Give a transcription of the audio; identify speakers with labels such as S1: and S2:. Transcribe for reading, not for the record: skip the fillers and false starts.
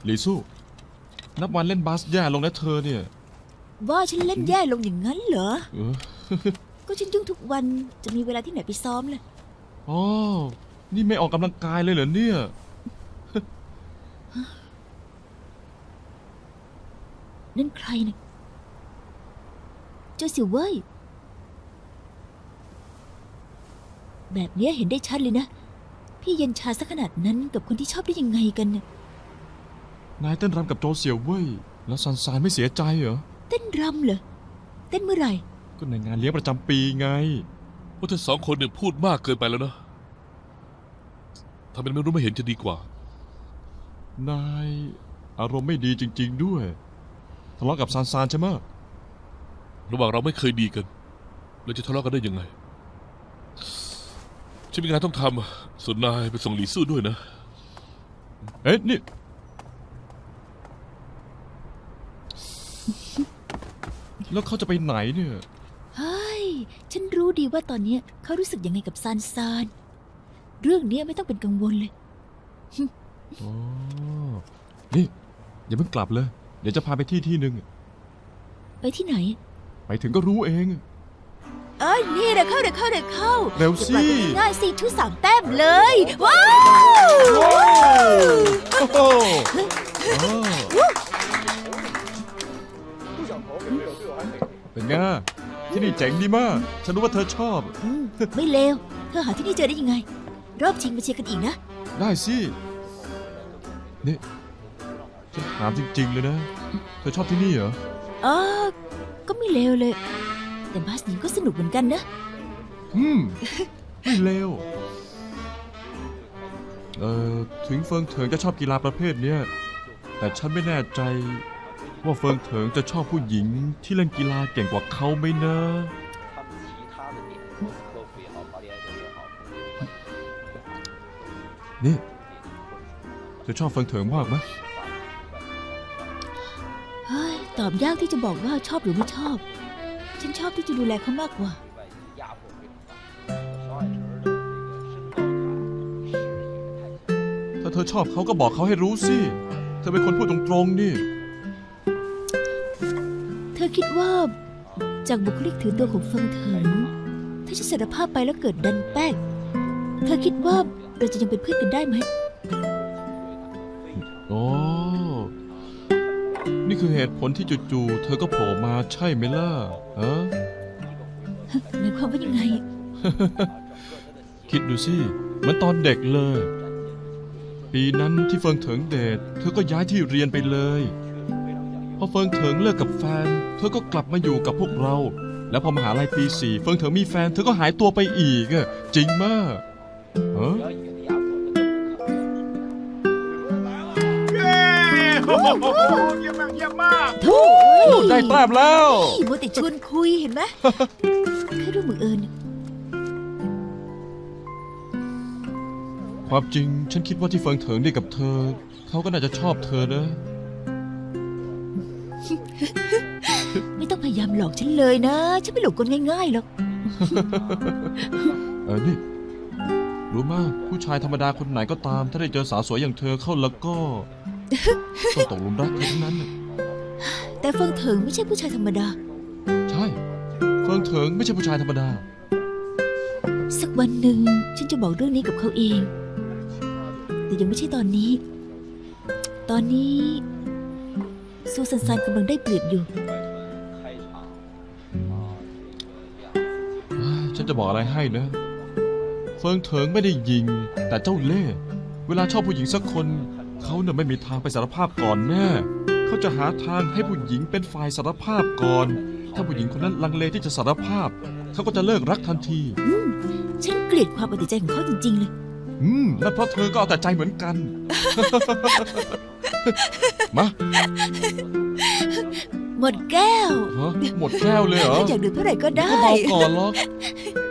S1: ลีสู้นับวันเล่นบาสแย่ลงนะเธอเนี่ย
S2: ว่าฉันเล่นแย่ลงอย่างนั้นเหรอ
S1: เออ
S2: ก็ฉันยุ่งทุกวันจะมีเวลาที่ไหนไปซ้อมล่ะ
S1: อ๋อนี่ไม่ออกกำลังกายเลยเหรอเนี่ย
S2: นั่นใครเนี่ยเจ้าเสี่ยวเว่ยแบบเนี้ยเห็นได้ชัดเลยนะพี่เย็นชาสักขนาดนั้นกับคนที่ชอบได้ยังไงกันเนี่ย
S1: นายเต้นรำกับโจเสี่ยวเว่ยแล้วซันซานไม่เสียใจเหรอ
S2: เต้นรำเหรอเต้นเมื่อไหร่
S1: ก็ในงานเลี้ยงประจำปีไง
S3: พวกเธอสองคนเนี่ยพูดมากเกินไปแล้วนะทำเป็นไม่รู้ไม่เห็นจะดีกว่า
S1: นายอารมณ์ไม่ดีจริงๆด้วยทะเลาะกับซันซานใช่ไหม
S3: ระหว่างเราไม่เคยดีกันเราจะทะเลาะกันได้ยังไงฉันมีงานต้องทำส่วนนายไปส่งหลีสู้ด้วยนะ
S1: เอ๊ะนี่แล้วเขาจะไปไหนเนี่ย
S2: เฮ้ยฉันรู้ดีว่าตอนเนี้ยเขารู้สึกยังไงกับซานซานเรื่องเนี้ยไม่ต้องเป็นกังวลเลย
S1: อ๋อ นี่อย่าเพิ่งกลับเลย เดี๋ยวจะพาไปที่หนึ่ง
S2: ไปที่ไหน
S1: ไปถึงก็รู้เอง
S2: เอ้ยนี่เดี๋ยวเข้า
S1: เร็วสิ
S2: จะปล่อยกันง่ายๆสิทุ3 แต้มเลย ว้าว
S1: โอ้โหเป็นไงที่นี่เจ๋งดีมาก ฉันรู้ว่าเธอชอบ
S2: ไม่เลวเธอหาที่นี่เจอได้ยังไง รอบชิงมาเชียร์กันอีกนะ
S1: ได้สิ นี่ฉันถามจริงๆเลยนะ เธอชอบที่นี่เหรอ
S2: อ๋อก็ไม่เลวเลย แต่บาสหญิงก็สนุกเหมือนกันนะ
S1: ไม่เลวถึงเฟิงเถิงจะชอบกีฬาประเภทเนี้ยแต่ฉันไม่แน่ใจว่าเฟิงเถิงจะชอบผู้หญิงที่เล่นกีฬาเก่งกว่าเขาไหมนะ นี่เธอชอบเฟิงเถิงมากไหม
S2: เฮ้ย ตอบยากที่จะบอกว่าชอบหรือไม่ชอบ ฉันชอบที่จะดูแลเขามากกว่า
S1: ถ้าเธอชอบเขาก็บอกเขาให้รู้สิ เธอเป็นคนพูดตรงๆนี่
S2: เธอคิดว่าจากบุคลิกถือตัวของเฟิงเถิงถ้าฉันสารภาพไปแล้วเกิดดันแป้งเธอคิดว่าเราจะยังเป็นเพื่อนกันได้ไหม
S1: อ๋อ นี่คือเหตุผลที่จู่ๆเธอก็โผล่มาใช่ไหมล่ะฮะ
S2: หมายความว่ายังไง
S1: คิดดูสิเหมือนตอนเด็กเลย ปีนั้นที่เฟิงเถิงเดทเธอก็ย้ายที่เรียนไปเลยพอเฟิงเถิงเลิกกับแฟน เธอก็กลับมาอยู่กับพวกเรา แล้วพอมหาลัยปี 4เฟิงเถิงมีแฟนเธอก็หายตัวไปอีกอะจริงมากฮะ
S4: เยี่ยมมากเยี่ยมมาก
S2: โถ่
S1: ได้แต้มแล้ว
S2: นี่มัวแต่ชวนคุยเห็นไหม แค่เรื่องบังเอิญ
S1: ความจริงฉันคิดว่าที่เฟิงเถิงได้กับเธอ เขาก็น่าจะชอบเธอนะ
S2: ไม่ต้องพยายามหลอกฉันเลยนะ ฉันไม่หลงกลง่ายๆหรอก
S1: นี่ รู้มากผู้ชายธรรมดาคนไหนก็ตาม ถ้าได้เจอสาวสวยอย่างเธอเข้าแล้วก็ ต้องตกหลุมรักเธอทั้งนั้นน่ะ
S2: แต่เฟิงเถิงไม่ใช่ผู้ชายธรรมดา
S1: ใช่ เฟิงเถิงไม่ใช่ผู้ชายธรรมดา
S2: สักวันหนึ่งฉันจะบอกเรื่องนี้กับเขาเอง แต่ยังไม่ใช่ตอนนี้ ตอนนี้ซูซันซานกำลังได้เปรียบอยู่
S1: ฉันจะบอกอะไรให้นะ เฟิงเถิงไม่ได้ยิง แต่เจ้าเล่ห์เวลาชอบผู้หญิงสักคน เขาเนี่ยไม่มีทางไปสารภาพก่อนแน่ เขาจะหาทางให้ผู้หญิงเป็นฝ่ายสารภาพก่อน ถ้าผู้หญิงคนนั้นลังเลที่จะสารภาพ เขาก็จะเลิกรักทันที
S2: ฉันเกลียดความเอาแต่ใจของเขาจริงๆเลย
S1: นั่นเพราะเธอก็เอาแต่ใจเหมือนกัน มา
S2: หมดแก้ว
S1: ฮะหมดแก้วเลยเหรอ
S2: อยากดื่มเท่าไหร่ก็ได้
S1: ก็เมาก่อนหรอก